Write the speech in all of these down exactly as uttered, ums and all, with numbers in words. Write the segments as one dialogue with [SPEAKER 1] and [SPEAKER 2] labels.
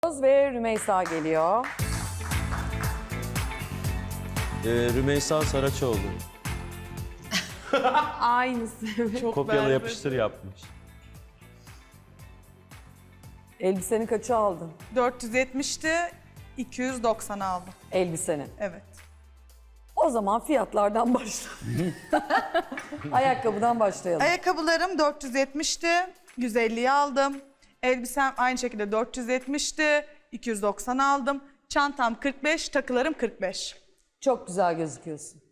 [SPEAKER 1] Ve Rümeysa geliyor.
[SPEAKER 2] Ee, Rümeysa Saraçoğlu.
[SPEAKER 1] Aynısı.
[SPEAKER 3] Çok
[SPEAKER 2] Kopyala
[SPEAKER 3] berbat.
[SPEAKER 2] yapıştır yapmış.
[SPEAKER 1] Elbiseni kaça aldın?
[SPEAKER 3] dört yüz yetmişti, iki yüz doksan aldım.
[SPEAKER 1] Elbiseni.
[SPEAKER 3] Evet.
[SPEAKER 1] O zaman fiyatlardan başla. Ayakkabıdan başlayalım.
[SPEAKER 3] Ayakkabılarım dört yüz yetmişti, yüz elliye aldım. Elbisem aynı şekilde dört yüz yetmişti, iki yüz doksan aldım. Çantam kırk beş, takılarım kırk beş.
[SPEAKER 1] Çok güzel gözüküyorsun.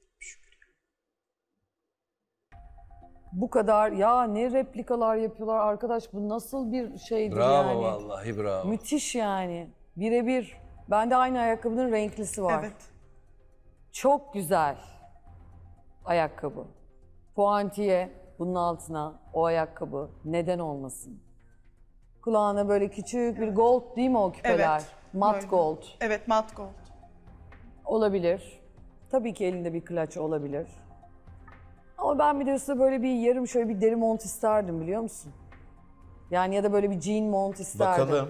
[SPEAKER 1] Bu kadar ya ne replikalar yapıyorlar arkadaş, bu nasıl bir şeydir
[SPEAKER 4] Bravo
[SPEAKER 1] yani.
[SPEAKER 4] vallahi bravo.
[SPEAKER 1] Müthiş yani. Birebir. Bende aynı ayakkabının renklisi var.
[SPEAKER 3] Evet.
[SPEAKER 1] Çok güzel ayakkabı. Puantiye bunun altına o ayakkabı neden olmasın? Kulağına böyle küçük bir gold değil mi o küpeler?
[SPEAKER 3] Evet,
[SPEAKER 1] Mat
[SPEAKER 3] böyle.
[SPEAKER 1] gold.
[SPEAKER 3] Evet, mat gold.
[SPEAKER 1] Olabilir. Tabii ki elinde bir klaç olabilir. Ama ben bir de üstüne böyle bir yarım şöyle bir deri mont isterdim biliyor musun? Yani ya da böyle bir jean mont isterdim.
[SPEAKER 2] Bakalım.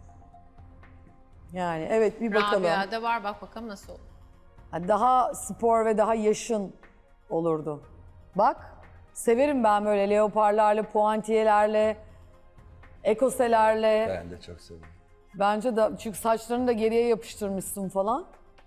[SPEAKER 1] Yani evet bir bakalım.
[SPEAKER 5] Rabia'da var, bak bakalım nasıl olur.
[SPEAKER 1] Ha, daha spor ve daha yaşın olurdu. Bak severim ben böyle leoparlarla, puantiyelerle, ekoselerle.
[SPEAKER 4] Ben de çok seviyorum.
[SPEAKER 1] Bence de çünkü saçlarını da geriye yapıştırmışsın falan.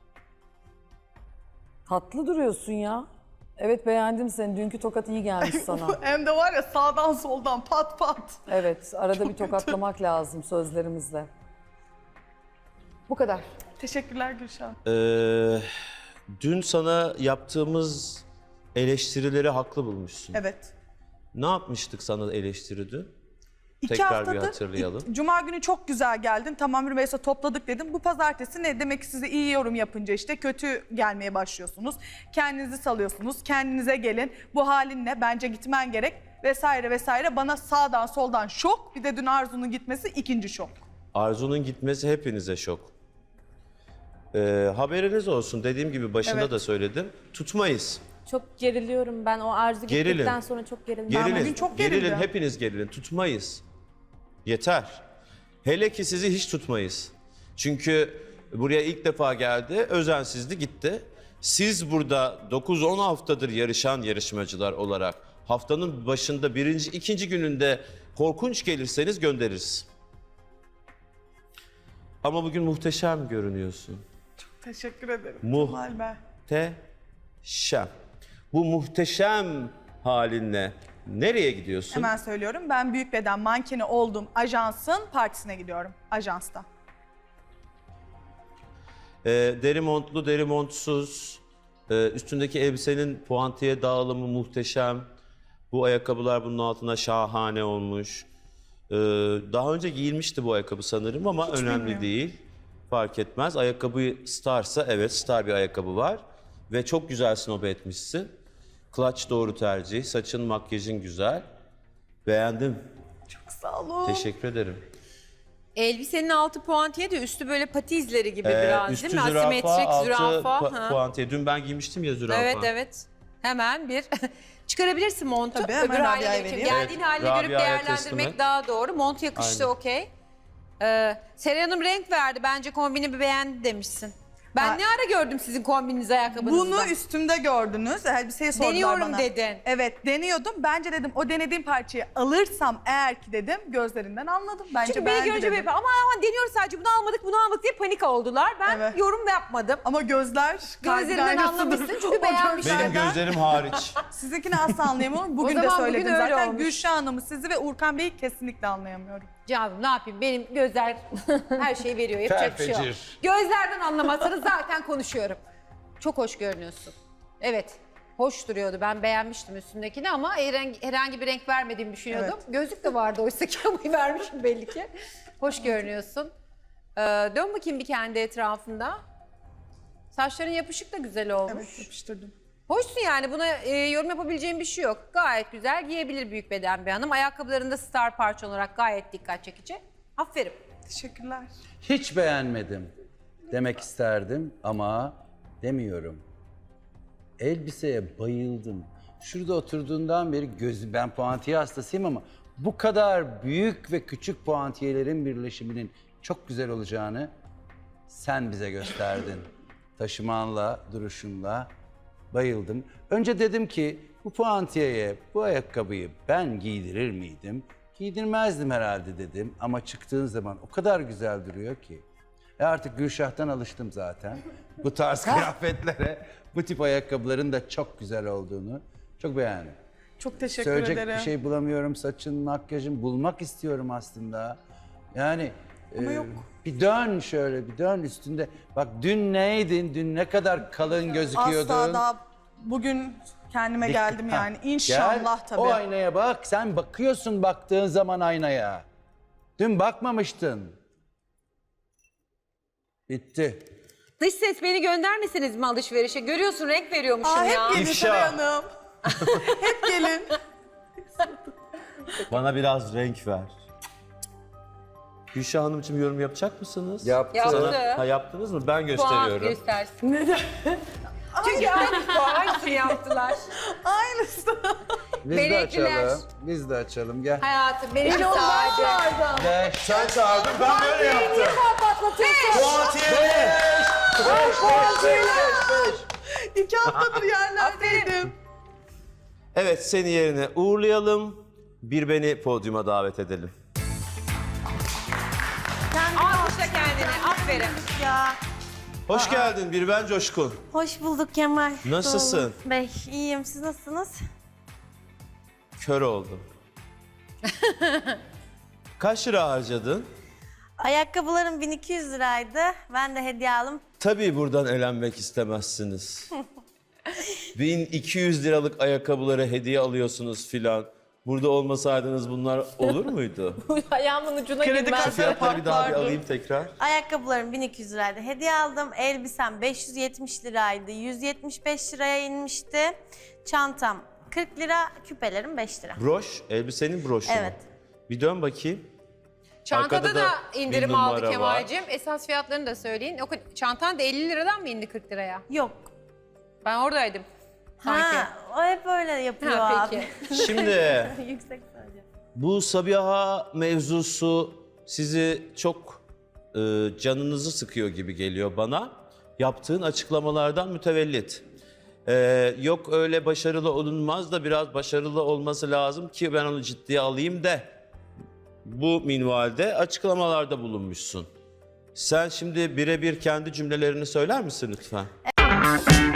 [SPEAKER 1] Tatlı duruyorsun ya. Evet beğendim seni. Dünkü tokat iyi gelmiş sana.
[SPEAKER 3] Hem de var ya sağdan soldan pat pat.
[SPEAKER 1] Evet arada bir tokatlamak lazım sözlerimizle. Bu kadar.
[SPEAKER 3] Teşekkürler Gülşah.
[SPEAKER 2] Ee, dün sana yaptığımız eleştirileri haklı bulmuşsun.
[SPEAKER 3] Evet.
[SPEAKER 2] Ne yapmıştık sana eleştiri dün?
[SPEAKER 3] İki
[SPEAKER 2] Tekrar bir
[SPEAKER 3] haftadır,
[SPEAKER 2] hatırlayalım.
[SPEAKER 3] ilk- Cuma günü çok güzel geldin. Tamam Rümeysa topladık dedim. Bu pazartesi ne? Demek ki size iyi yorum yapınca işte kötü gelmeye başlıyorsunuz. Kendinizi salıyorsunuz. Kendinize gelin. Bu halinle bence gitmen gerek vesaire vesaire. Bana sağdan soldan şok. Bir de dün Arzu'nun gitmesi ikinci şok.
[SPEAKER 2] Arzu'nun gitmesi hepinize şok. Ee, haberiniz olsun, dediğim gibi başında
[SPEAKER 3] Evet.
[SPEAKER 2] da söyledim. Tutmayız.
[SPEAKER 6] Çok geriliyorum ben. O Arzu
[SPEAKER 2] Gerilin.
[SPEAKER 6] gittikten sonra çok gerildim.
[SPEAKER 2] Gerilin,
[SPEAKER 3] bugün çok
[SPEAKER 2] gerilin,
[SPEAKER 3] gerildim.
[SPEAKER 2] hepiniz gerilin. Tutmayız. Yeter. Hele ki sizi hiç tutmayız. Çünkü buraya ilk defa geldi, özensizdi gitti. Siz burada dokuz on haftadır yarışan yarışmacılar olarak haftanın başında birinci, ikinci gününde korkunç gelirseniz göndeririz. Ama bugün muhteşem görünüyorsun.
[SPEAKER 3] Teşekkür ederim.
[SPEAKER 2] Muh-
[SPEAKER 3] Kemal Bey.
[SPEAKER 2] Muhteşem. Bu muhteşem halinle nereye gidiyorsun?
[SPEAKER 3] Hemen söylüyorum. Ben büyük beden mankeni olduğum ajansın partisine gidiyorum. Ajansta.
[SPEAKER 2] Ee, deri montlu, deri montsuz, ee, üstündeki elbisenin puantiye dağılımı muhteşem. Bu ayakkabılar bunun altına şahane olmuş. Ee, daha önce giyilmişti bu ayakkabı sanırım ama önemli
[SPEAKER 3] bilmiyorum.
[SPEAKER 2] değil. Fark etmez. Ayakkabı starsa evet star bir ayakkabı var. Ve çok güzel snob etmişsin. Clutch doğru tercih. Saçın, makyajın güzel. Beğendim.
[SPEAKER 3] Çok sağ olun.
[SPEAKER 2] Teşekkür ederim.
[SPEAKER 5] Elbisenin altı puantiye de üstü böyle pati izleri gibi
[SPEAKER 2] Ee,
[SPEAKER 5] biraz
[SPEAKER 2] üstü
[SPEAKER 5] değil mi?
[SPEAKER 2] zürafa,
[SPEAKER 5] Asimetrik
[SPEAKER 2] altı
[SPEAKER 5] zürafa.
[SPEAKER 2] pu-
[SPEAKER 5] ha.
[SPEAKER 2] puantiye. Dün ben giymiştim ya zürafa.
[SPEAKER 5] Evet evet. Hemen bir çıkarabilirsin montu.
[SPEAKER 3] Tabii, hemen
[SPEAKER 5] Öbür haline
[SPEAKER 3] Rabia'ya
[SPEAKER 5] geçelim.
[SPEAKER 3] vereyim.
[SPEAKER 5] Geldiğin
[SPEAKER 2] Evet,
[SPEAKER 5] haline görüp
[SPEAKER 2] Rabia'ya teslim
[SPEAKER 5] değerlendirmek
[SPEAKER 2] et.
[SPEAKER 5] daha doğru. Mont yakıştı
[SPEAKER 2] Aynen.
[SPEAKER 5] okey. Ee, Seray Hanım renk verdi. Bence kombini bir beğendi demişsin. Ben
[SPEAKER 3] Ha.
[SPEAKER 5] ne ara gördüm sizin kombininizi ayakkabınızda?
[SPEAKER 3] Bunu üstümde gördünüz. Elbiseyi sordular
[SPEAKER 5] Deniyorum
[SPEAKER 3] bana.
[SPEAKER 5] dedin.
[SPEAKER 3] Evet deniyordum. Bence dedim o denediğim parçayı alırsam eğer ki dedim gözlerinden anladım. Bence
[SPEAKER 5] Çünkü beni
[SPEAKER 3] beğendi
[SPEAKER 5] görünce
[SPEAKER 3] dedim.
[SPEAKER 5] böyle ama ama deniyoruz sadece bunu almadık bunu almadık diye panik oldular. Ben
[SPEAKER 3] Evet.
[SPEAKER 5] yorum da yapmadım.
[SPEAKER 3] Ama gözler kalbin
[SPEAKER 5] Gözlerinden
[SPEAKER 3] aynasıdır.
[SPEAKER 5] anlamışsın çünkü
[SPEAKER 3] O
[SPEAKER 5] beğenmişsin.
[SPEAKER 2] Benim
[SPEAKER 3] gözlerden-
[SPEAKER 2] gözlerim hariç.
[SPEAKER 3] Sizinkini asla anlayamıyorum. Bugün de
[SPEAKER 5] zaman bugün
[SPEAKER 3] söyledim
[SPEAKER 5] öyle
[SPEAKER 3] zaten.
[SPEAKER 5] olmuş.
[SPEAKER 3] Gülşah Hanım'ı, sizi ve Urkan Bey'i kesinlikle anlayamıyorum.
[SPEAKER 5] Canım ne yapayım benim gözler her şeyi veriyor yapacak bir şey yok.
[SPEAKER 2] Ferfecir.
[SPEAKER 5] Gözlerden anlamazsanız zaten konuşuyorum. Çok hoş görünüyorsun. Evet hoş duruyordu ben beğenmiştim üstündekini ama herhangi, herhangi bir renk vermediğimi düşünüyordum. Gözlük de vardı oysa ki ama vermişim belli ki. Hoş görünüyorsun. Ee, dön bakayım bir kendi etrafında. Saçların yapışık da güzel olmuş.
[SPEAKER 3] Evet yapıştırdım.
[SPEAKER 5] Hoşsun yani buna e, yorum yapabileceğim bir şey yok. Gayet güzel giyebilir büyük beden bir hanım. Ayakkabılarında star parça olarak gayet dikkat çekici. Aferin.
[SPEAKER 3] Teşekkürler.
[SPEAKER 4] Hiç beğenmedim demek isterdim ama demiyorum. Elbiseye bayıldım. Şurada oturduğundan beri gözü, ben puantiye hastasıyım ama bu kadar büyük ve küçük puantiyelerin birleşiminin çok güzel olacağını sen bize gösterdin. Taşımanla, duruşunla bayıldım. Önce dedim ki bu puantiyeye bu ayakkabıyı ben giydirir miydim? Giydirmezdim herhalde dedim ama çıktığın zaman o kadar güzel duruyor ki. E artık Gülşah'tan alıştım zaten. Bu tarz kıyafetlere, bu tip ayakkabıların da çok güzel olduğunu çok beğendim.
[SPEAKER 3] Çok teşekkür
[SPEAKER 4] Söyleyecek
[SPEAKER 3] ederim.
[SPEAKER 4] bir şey bulamıyorum. Saçın, makyajın bulmak istiyorum aslında. Yani
[SPEAKER 3] Ama
[SPEAKER 4] e,
[SPEAKER 3] yok.
[SPEAKER 4] bir dön şöyle, bir dön üstünde. Bak dün neydin? Dün ne kadar kalın gözüküyordun.
[SPEAKER 3] Asla daha bugün kendime geldim
[SPEAKER 4] Ha,
[SPEAKER 3] yani. İnşallah
[SPEAKER 4] gel,
[SPEAKER 3] tabii.
[SPEAKER 4] O aynaya bak. Sen bakıyorsun baktığın zaman aynaya. Dün bakmamıştın. Bitti.
[SPEAKER 7] Dış ses beni göndermesiniz mi alışverişe? Görüyorsun renk veriyormuşum
[SPEAKER 3] Aa, hep
[SPEAKER 7] ya.
[SPEAKER 3] gelin
[SPEAKER 2] İfşa.
[SPEAKER 3] Seray Hanım. Hep gelin.
[SPEAKER 2] Bana biraz renk ver. Gülşah Hanımcığım yorum yapacak mısınız?
[SPEAKER 4] Yaptı.
[SPEAKER 7] Yaptı.
[SPEAKER 2] Sana- ha, yaptınız mı? Ben
[SPEAKER 7] Puan
[SPEAKER 2] gösteriyorum.
[SPEAKER 7] göstersin. Neden? Çünkü aynısını yaptılar.
[SPEAKER 3] Aynısı.
[SPEAKER 4] Biz de
[SPEAKER 7] Melekliler.
[SPEAKER 4] açalım. Biz de açalım. Gel.
[SPEAKER 7] Hayatım benim sadece.
[SPEAKER 4] Gel.
[SPEAKER 2] Sen çağırdın, ben böyle yaptım. Puantiye!
[SPEAKER 3] İki haftadır yerlerdeydim.
[SPEAKER 2] Evet, seni yerine uğurlayalım. Bir beni podyuma davet edelim.
[SPEAKER 7] Alkışla kendini. Aferin.
[SPEAKER 6] Ya.
[SPEAKER 2] Hoş geldin bir ben Coşkun.
[SPEAKER 6] Hoş bulduk Kemal.
[SPEAKER 2] Nasılsın?
[SPEAKER 6] Doğru. Bey, iyiyim. Siz nasılsınız?
[SPEAKER 2] Kör oldum. Kaç lira harcadın?
[SPEAKER 6] Ayakkabılarım bin iki yüz liraydı. Ben de hediye aldım.
[SPEAKER 2] Tabii buradan elenmek istemezsiniz. bin iki yüz liralık ayakkabıları hediye alıyorsunuz filan. Burada olmasaydınız bunlar olur muydu?
[SPEAKER 6] Ayağımın ucuna
[SPEAKER 3] Kredi
[SPEAKER 6] girmez.
[SPEAKER 3] kartı
[SPEAKER 2] Fiyatları bir daha bir
[SPEAKER 3] patlardı.
[SPEAKER 2] alayım tekrar.
[SPEAKER 6] Ayakkabılarım bin iki yüz liraydı. Hediye aldım. Elbisem beş yüz yetmiş liraydı. yüz yetmiş beş liraya inmişti. Çantam kırk lira, küpelerim beş lira.
[SPEAKER 2] Broş, elbisenin broşu mu?
[SPEAKER 6] Evet.
[SPEAKER 2] Bir dön bakayım.
[SPEAKER 7] Çantada
[SPEAKER 2] Arkada
[SPEAKER 7] da
[SPEAKER 2] da
[SPEAKER 7] indirim
[SPEAKER 2] bir
[SPEAKER 7] aldı
[SPEAKER 2] numara
[SPEAKER 7] Kemal'cim. Esas fiyatlarını da söyleyin. O kadar- çantan da elli liradan mı indi kırk liraya?
[SPEAKER 6] Yok.
[SPEAKER 7] Ben oradaydım. Sanki.
[SPEAKER 6] Ha, o hep öyle yapıyor
[SPEAKER 7] Ha,
[SPEAKER 6] abi.
[SPEAKER 7] peki.
[SPEAKER 6] Yüksek
[SPEAKER 2] Şimdi
[SPEAKER 6] sadece.
[SPEAKER 2] bu Sabiha mevzusu sizi çok e, canınızı sıkıyor gibi geliyor bana. Yaptığın açıklamalardan mütevellit. E, yok öyle başarılı olunmaz da biraz başarılı olması lazım ki ben onu ciddiye alayım de. Bu minvalde açıklamalarda bulunmuşsun. Sen şimdi birebir kendi cümlelerini söyler misin lütfen?